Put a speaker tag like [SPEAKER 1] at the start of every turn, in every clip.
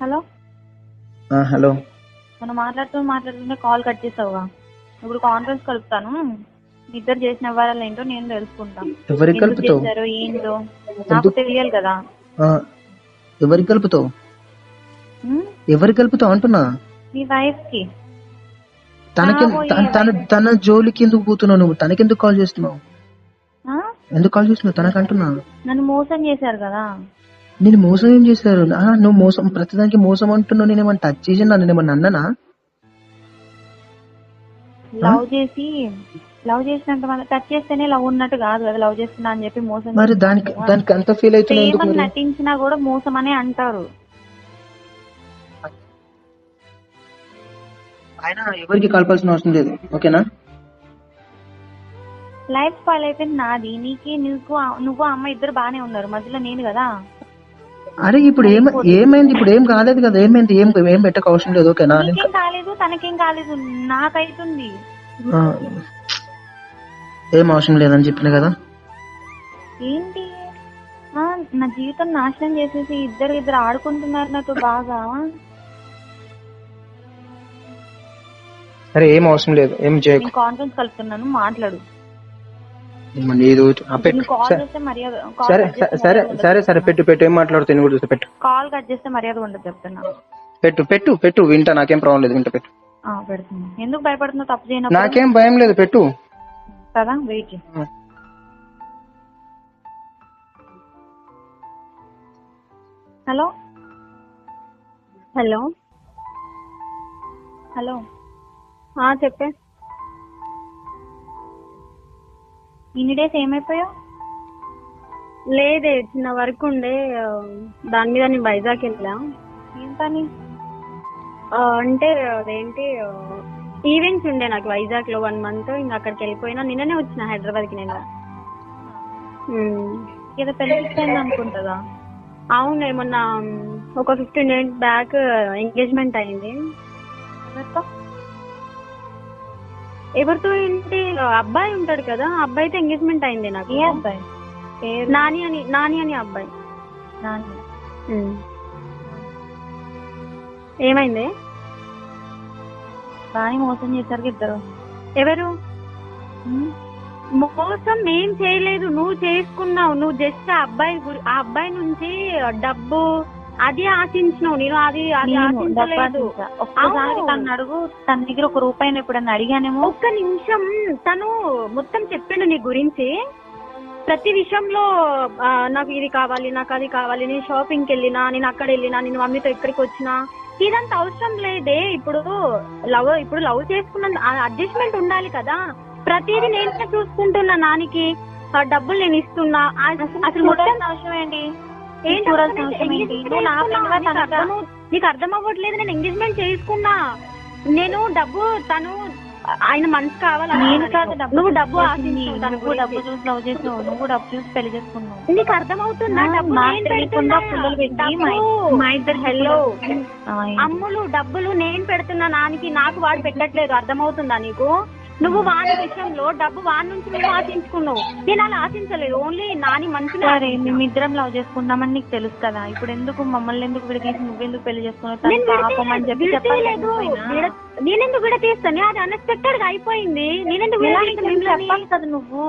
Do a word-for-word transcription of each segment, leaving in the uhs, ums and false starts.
[SPEAKER 1] Hello
[SPEAKER 2] ఆ, hello.
[SPEAKER 1] మనం మాట్లాడుతూ మాట్లాడుతుంటే కాల్ కట్ చేసావుగా. ఇప్పుడు కాన్ఫరెన్స్ కలుపుతాను. మీ ఇద్దరు చేసిన వ్యవహారాలు ఏంటో నేను తెలుసుకుంటాను.
[SPEAKER 2] ఎవరికి
[SPEAKER 1] ఎందుకు
[SPEAKER 2] కలుపుతావు?
[SPEAKER 1] చేశారో ఏంటో నాకు
[SPEAKER 2] ఎందుకు?
[SPEAKER 1] తెలియాలి కదా.
[SPEAKER 2] ఆ, ఎవరికి కలుపుతావు?
[SPEAKER 1] ఉమ్?
[SPEAKER 2] ఎవరికి కలుపుతావు అంటున్నా.
[SPEAKER 1] మీ వైఫ్ కి
[SPEAKER 2] తనకి
[SPEAKER 1] కాబోయే
[SPEAKER 2] తన తన-
[SPEAKER 1] wife.
[SPEAKER 2] తన జోలికి ఎందుకు పోతున్నావు నువ్వు? తనకెందుకు కాల్ చేస్తున్నావు?
[SPEAKER 1] ఆ?
[SPEAKER 2] ఎందుకు కాల్ చేస్తున్నావు తనకు అంటున్నా.
[SPEAKER 1] నన్ను మోసం చేశారు కదా.
[SPEAKER 2] నేను మోసం ఏం చేశారు? ఆ, నువ్వు మోసం ప్రతిదానికి మోసం అంటున్నావు. నేనేమన్నా టచ్ చేసి నన్ను ఏమన్నా అన్నానా?
[SPEAKER 1] లవ్ చేసి లవ్ చేసినంత మంది టచ్ చేస్తేనే లవ్ ఉన్నట్టు కాదు కదా. లవ్ చేస్తున్నా అని చెప్పి మోసం
[SPEAKER 2] మరి
[SPEAKER 1] చేస్తున్నారు
[SPEAKER 2] దానికి
[SPEAKER 1] కదా.
[SPEAKER 2] దానికి అంత ఫీల్ అవుతున్నావు ఎందుకు
[SPEAKER 1] ప్రేమను
[SPEAKER 2] మరి?
[SPEAKER 1] నటించినా కూడా మోసం అనే అంటారు.
[SPEAKER 2] ఆయన ఎవరికి కలపాల్సిన అవసరం లేదు, ఓకేనా?
[SPEAKER 1] లైఫ్ స్పాయిల్ అయిపోయింది నాది. నీకే నీకు ఆ- నువ్వు ఆ అమ్మాయి ఇద్దరు బానే ఉన్నారు, మధ్యలో నేను కదా.
[SPEAKER 2] అరే ఇప్పుడు ఏం ఏమైంది? ఇప్పుడు ఏం కాలేదు కదా. ఏమైంది? ఏం ఏం పెట్టక అవసరం లేదు, ఓకేనా?
[SPEAKER 1] నీకేం కాలేదు, తనకేం కాలేదు, నాకైతుంది.
[SPEAKER 2] ఆ, ఏం అవసరం లేదని చెప్పిన కదా.
[SPEAKER 1] ఏంటి ఆ, నా జీవితం నాశనం చేసేసి ఇద్దరు ఇద్దరు ఆడుకుంటున్నారు నాతో బాగా.
[SPEAKER 2] సరే ఏం అవసరం లేదు, ఏం చేయకు.
[SPEAKER 1] నేను కాన్ఫరెన్స్ కలుపుతున్నాను, మాట్లాడు.
[SPEAKER 2] మళ్ళీ ఏదో ఆ, పెట్టు.
[SPEAKER 1] నువ్వు కాల్
[SPEAKER 2] సరే
[SPEAKER 1] చేస్తే మర్యాద
[SPEAKER 2] సరే సరే సరే సరే పెట్టు పెట్టు. ఏం మాట్లాడుతావు నేను కూడా చూస్తా. పెట్టు
[SPEAKER 1] కాల్ కట్ చేస్తే మర్యాద ఉండదు చెప్తున్నా.
[SPEAKER 2] పెట్టు పెట్టు పెట్టు వింటా. నాకేం ప్రాబ్లం లేదు, వింటా. పెట్టు.
[SPEAKER 1] ఆ, పెడుతున్నా. ఎందుకు భయపడుతున్నావు? తప్పు చేయనప్పుడు
[SPEAKER 2] నాకేం భయం లేదు, పెట్టు.
[SPEAKER 1] కదా. వెయిట్ చేయి.
[SPEAKER 2] ఆ.
[SPEAKER 1] హలో
[SPEAKER 3] హలో
[SPEAKER 1] హలో
[SPEAKER 3] ఆ, చెప్పే.
[SPEAKER 1] ఇన్ని డేస్ ఏమైపోయావు?
[SPEAKER 3] లేదే, చిన్న వర్క్ ఉండే, ఆ, దాని మీద నేను వైజాగ్ వెళ్ళా.
[SPEAKER 1] ఏం పని?
[SPEAKER 3] ఆ, అంటే అదేంటి ఈవెంట్స్ ఉండే నాకు వైజాగ్ లో వన్ మంత్. ఇంకా అక్కడికి వెళ్ళిపోయినా. నిన్ననే వచ్చిన హైదరాబాద్ కి నేను. ఉమ్.
[SPEAKER 1] ఏదో పెళ్లి ఫిక్స్ అయింది అనుకుంటుందా?
[SPEAKER 3] అవును, మొన్న ఒక ఫిఫ్టీన్ డేస్ బ్యాక్ ఎంగేజ్మెంట్ అయింది.
[SPEAKER 1] ఎవరితో?
[SPEAKER 3] ఎవరితో ఏంటి, అబ్బాయి ఉంటాడు కదా, ఆ అబ్బాయితో ఎంగేజ్మెంట్ అయింది నాకు.
[SPEAKER 1] ఏ అబ్బాయి పేరు?
[SPEAKER 3] నాని అని నాని అని అబ్బాయి.
[SPEAKER 1] నాని.
[SPEAKER 3] ఉమ్. ఏమైంది?
[SPEAKER 1] బాగా మోసం చేశారు ఇద్దరు.
[SPEAKER 3] ఎవరు
[SPEAKER 1] ఉమ్.
[SPEAKER 3] మోసం ఏం చేయలేదు, నువ్వు చేసుకున్నావు. నువ్వు జస్ట్ ఆ అబ్బాయి గురి- ఆ అబ్బాయి నుంచి డబ్బు అది ఆశించినావు. నేను అది అది
[SPEAKER 1] నేను
[SPEAKER 3] ఆశించలేదు.
[SPEAKER 1] డబ్బా ఒక్కసారి
[SPEAKER 3] అవును.
[SPEAKER 1] తను అడుగు, తన దగ్గర ఒక రూపాయిని ఎప్పుడన్నా అడిగానేమో.
[SPEAKER 3] ఒక్క నిమిషం, తను మొత్తం చెప్పిండు నీ గురించి ప్రతి విషయంలో. ఆ, నాకు ఇది కావాలి, నాకు అది కావాలి, నేను షాపింగ్కి వెళ్ళినా, నేను అక్కడ వెళ్ళినా, నేను మమ్మీతో ఇక్కడికి వచ్చినా, ఇదంతా అవసరం లేదే. ఇప్పుడు లవ్ ఇప్పుడు లవ్ చేసుకున్న అడ్జస్ట్మెంట్ ఉండాలి కదా. ప్రతిదీ నేనే చూసుకుంటున్నా. నానికి ఆ డబ్బులు నేను ఇస్తున్నా. ఆ- అసలు మొత్తం
[SPEAKER 1] చూడాల్సిన అవసరం ఏంటి?
[SPEAKER 3] ఏంటి
[SPEAKER 1] చూడాల్సిన
[SPEAKER 3] అసలు
[SPEAKER 1] అవసరం ఏంటి?
[SPEAKER 3] engagement
[SPEAKER 1] నువ్వు నా
[SPEAKER 3] చేసుకున్నా.
[SPEAKER 1] ఫ్రెండ్గా
[SPEAKER 3] నీకు
[SPEAKER 1] తనగా
[SPEAKER 3] అర్థమవు- నీకు అర్థం అవ్వట్లేదు. నేను ఎంగేజ్మెంట్ చేసుకున్నా. నేను డబ్బు తను ఆయన మనసు కావాలి.
[SPEAKER 1] నేను కాదు డబ్బు
[SPEAKER 3] నువ్వు డబ్బు
[SPEAKER 1] చూసి
[SPEAKER 3] ఆశించావు తన
[SPEAKER 1] నువ్వు డబ్బు
[SPEAKER 3] గురించి.
[SPEAKER 1] చూసి లవ్ చేసినావు, నువ్వు డబ్బు చూసి పెళ్లి చేసుకున్నావు.
[SPEAKER 3] నీకు అర్థమవుతుందా? డబ్బు
[SPEAKER 1] నాకు
[SPEAKER 3] నేను
[SPEAKER 1] తెలియకుండా
[SPEAKER 3] పెడుతున్నా.
[SPEAKER 1] పుల్లలు పెట్టి మా
[SPEAKER 3] డబ్బు-
[SPEAKER 1] మా ఇద్దరు
[SPEAKER 3] హలో
[SPEAKER 1] ఆ,
[SPEAKER 3] అమ్ములు, డబ్బులు నేను పెడుతున్నా నానికి, నాకు వాడు పెట్టట్లేదు. అర్థమవుతుందా నీకు? నువ్వు వాని విషయంలో డబ్బు వాని నుంచి నువ్వు ఆశించుకున్నావు. నేను అలా ఆశించలేదు. ఓన్లీ నాని మంచిగా.
[SPEAKER 1] సరే మేమిద్దరం లవ్ చేసుకుంటామని నీకు తెలుసు కదా. ఇప్పుడు ఎందుకు మమ్మల్ని ఎందుకు విడదీసి నువ్వెందుకు పెళ్లి చేసుకున్నావు? తన
[SPEAKER 3] నేను
[SPEAKER 1] పాపం అని చెప్పి చెప్పాలి.
[SPEAKER 3] విడతీయలేదు. నేనెందుకు విడతీస్తాను? అది అన్ఎక్స్పెక్టెడ్ గా అయిపోయింది. నేనెందుకు విడతీస్తాను?
[SPEAKER 1] చెప్పాలి కదా నువ్వు.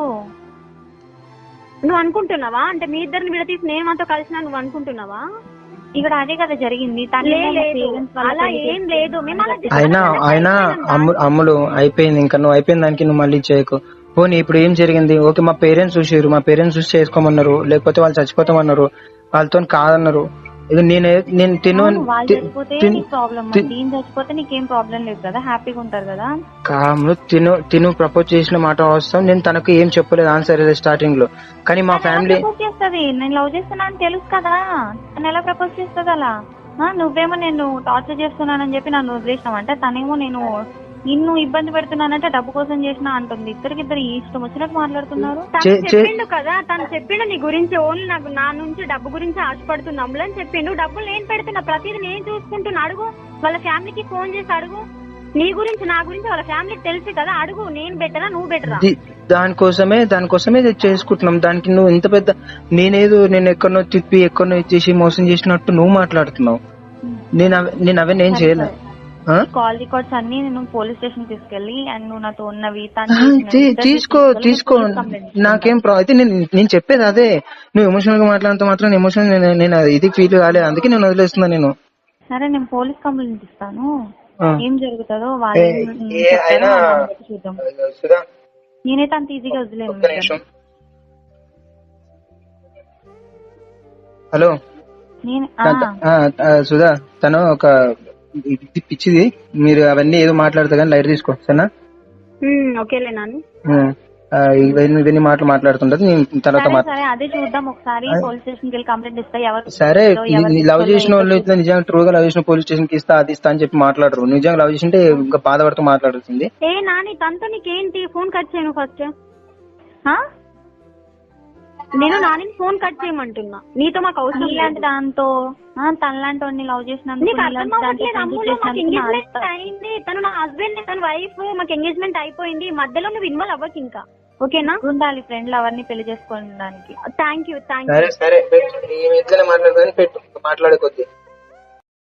[SPEAKER 3] నువ్వు అనుకుంటున్నావా? అంటే మీ ఇద్దరిని విడతీసి నేను మాతో కలిసినా నువ్వు అనుకుంటున్నావా?
[SPEAKER 1] ఇక్కడ అదే కదా జరిగింది. తను
[SPEAKER 3] లే-
[SPEAKER 1] ఏమో మా
[SPEAKER 3] లేదు
[SPEAKER 1] parents వాళ్ళ
[SPEAKER 3] అలా
[SPEAKER 1] పెళ్లి
[SPEAKER 3] ఏం లేదు. మేము అలా
[SPEAKER 1] చేసుకున్నాం.
[SPEAKER 2] అయినా అయినా అమ్ము అమ్ములు అయిపోయింది. ఇంకా నువ్వు అయిపోయిన దానికి నువ్వు మళ్ళీ చేయకు. పోనీ ఇప్పుడు ఏం జరిగింది? ఓకే, మా పేరెంట్స్ చూసారు, మా పేరెంట్స్ చూసి చేసుకోమన్నారు, లేకపోతే వాళ్ళు చచ్చిపోతామన్నారు, వాళ్ళతో కాదన్నారు. ఇక నేను నేను తిను
[SPEAKER 1] అవును, వాళ్ళు
[SPEAKER 2] తి-
[SPEAKER 1] చచ్చిపోతే
[SPEAKER 2] తిన్-
[SPEAKER 1] నీకు ప్రాబ్లం,
[SPEAKER 2] తిన్-
[SPEAKER 1] దీని చచ్చిపోతే నీకేం ప్రాబ్లం లేదు కదా. హ్యాపీగా ఉంటారు కదా.
[SPEAKER 2] కాములు తిను తిను ప్రపోజ్ చేసిన మాట వాస్తవం. నేను తనకు ఏం చెప్పలేదు ఆన్సర్ స్టార్టింగ్ లో. కానీ మా
[SPEAKER 1] తను ఎలా
[SPEAKER 2] ఫ్యామిలీ
[SPEAKER 1] ప్రపోజ్ చేస్తుంది? నేను లవ్ చేస్తున్నా అని తెలుసు కదా. తను ఎలా ప్రపోజ్ చేస్తుంది అలా? ఆ, నువ్వేమో నేను టార్చర్ చేస్తున్నానని చెప్పి నన్ను వదిలేసినావంటే, తనేమో నేను నిన్ను ఇబ్బంది పెడుతున్నానంటే డబ్బు కోసం చేసినా అంటుంది. ఇద్దరికిద్దరు ఇష్టం వచ్చినట్టు మాట్లాడుతున్నారు.
[SPEAKER 3] తను
[SPEAKER 2] చే- చే-
[SPEAKER 3] చెప్పిండు కదా, తను చెప్పిండు నీ గురించి. ఓన్లీ నాకు నా నుంచి డబ్బు గురించి ఆశపడుతున్నాము అని చెప్పిండు. డబ్బులు నేను పెడుతున్నా, ప్రతిదీ నేను చూసుకుంటున్నా. అడుగు, వాళ్ళ ఫ్యామిలీకి ఫోన్ చేసి అడుగు. నీ గురించి నా గురించి వాళ్ళ ఫ్యామిలీకి తెలుసు కదా. అడుగు, నేను బెటరా నువ్వు బెటరా?
[SPEAKER 2] ది- దానికోసమే దానికోసమే ఇది చేసుకుంటున్నాం. దానికి నువ్వు ఇంత పెద్ద నేనేదో నేను ఎక్కడనో తిప్పి ఎక్కడనో ఇచ్చేసి మోసం చేసినట్టు నువ్వు మాట్లాడుతున్నావు. నేను అవ- నేను అవన్నీ ఏం చేయలే. ఆ?
[SPEAKER 1] కాల్ రికార్డ్స్ అన్ని నేను పోలీస్ స్టేషన్ తీసుకెళ్ళి అండ్ నువ్వు నాతో ఉన్నవి తను
[SPEAKER 2] ఆ,
[SPEAKER 1] చేసినవి
[SPEAKER 2] తీ-
[SPEAKER 1] ఇద్దరు
[SPEAKER 2] తీసుకో
[SPEAKER 1] తీసుకెళ్ళి
[SPEAKER 2] తీసుకో
[SPEAKER 1] police complaint ఇస్తాను.
[SPEAKER 2] నాకేం ప్రా అయితే నేను నేను చెప్పేది అదే. నువ్వు ఎమోషనల్ గా మాట్లాడితే మాత్రం ఎమోషన్ నేను అది ఇది ఫీల్ కాలేదు, అందుకే నేను వదిలేస్తున్నా. నేను
[SPEAKER 1] సరే నేను పోలీస్ కంప్లైంట్ ఇస్తాను.
[SPEAKER 2] ఆ.
[SPEAKER 1] ఏం జరుగుతుందో వాళ్ళు
[SPEAKER 2] ఏ-
[SPEAKER 1] ఏం
[SPEAKER 2] ఏ
[SPEAKER 1] చెప్తారో
[SPEAKER 2] అయినా
[SPEAKER 1] దాన్ని బట్టి చూద్దాం.
[SPEAKER 2] సుధా,
[SPEAKER 1] నేనైతే అంత ఈజీగా వదిలేను.
[SPEAKER 2] ఒక్క నిమిషం. హలో
[SPEAKER 1] నేను ఆ,
[SPEAKER 2] త- ఆ, ఆ, సుధా, తను ఒక ఇది పిచ్చిది. మీరు అవన్నీ ఏదో మాట్లాడతా కానీ లైట్ తీసుకో సరేనా.
[SPEAKER 3] ఉమ్, ఓకేలే నాని.
[SPEAKER 2] ఉమ్, ఆ, ఇవన్నీ ఇవన్నీ మాటలు మాట్లాడుతుంటది నేను తర్వాత
[SPEAKER 1] సరే
[SPEAKER 2] మాట్లా
[SPEAKER 1] సరే అదే చూద్దాం ఒకసారి. పోలీస్ స్టేషన్ కి వెళ్ళి కంప్లైంట్ ఇస్తా. ఎవరు
[SPEAKER 2] సరే
[SPEAKER 1] ఎవరు
[SPEAKER 2] నీ లవ్ చేసిన వాళ్ళు
[SPEAKER 1] తీసుకోలేదో
[SPEAKER 2] ఇట్లా నిజంగా ట్రూగా లవ్ చేసిన పోలీస్ స్టేషన్ కి ఇస్తా అది ఇస్తా అని చెప్పి మాట్లాడరు. నిజంగా లవ్ చేసింటే ఇంకా బాధపడుతూ మాట్లాడుతుంది.
[SPEAKER 3] ఏ నాని, తనతో నీకేంటి? ఫోన్ కట్ చేయను ఫస్ట్.
[SPEAKER 1] ఆ?
[SPEAKER 3] నేను నానిని ఫోన్ కట్ చేయమంటున్నా. నీతో మాకు అవసరం
[SPEAKER 1] నీలాంటి
[SPEAKER 3] లేదు.
[SPEAKER 1] దాంతో ఆ, తనలాంటి వాడిని లవ్ చేసినందుకు
[SPEAKER 3] నీకు అర్థం
[SPEAKER 1] నీలాంటి దాంతో
[SPEAKER 3] అవ్వట్లేదు.
[SPEAKER 1] friendship
[SPEAKER 3] అమ్ములు మాకు
[SPEAKER 1] చేసినందుకు నా
[SPEAKER 3] ఎంగేజ్మెంట్
[SPEAKER 1] అర్థం.
[SPEAKER 3] అయింది. తను నా హస్బెండ్, తన వైఫ్. మాకు ఎంగేజ్మెంట్ అయిపోయింది. మధ్యలో నువ్వు ఇన్వాల్వ్ అవ్వకు ఇంకా. ఓకేనా?
[SPEAKER 1] ఉండాలి ఫ్రెండ్లు అవన్నీ పెళ్లి చేసుకోవడానికి.
[SPEAKER 3] Thank you thank you.
[SPEAKER 2] సరే సరే పెట్టు. నీ ఇట్లనే మాట్లాడుకొని పెట్టు మాట్లాడే కొద్ది.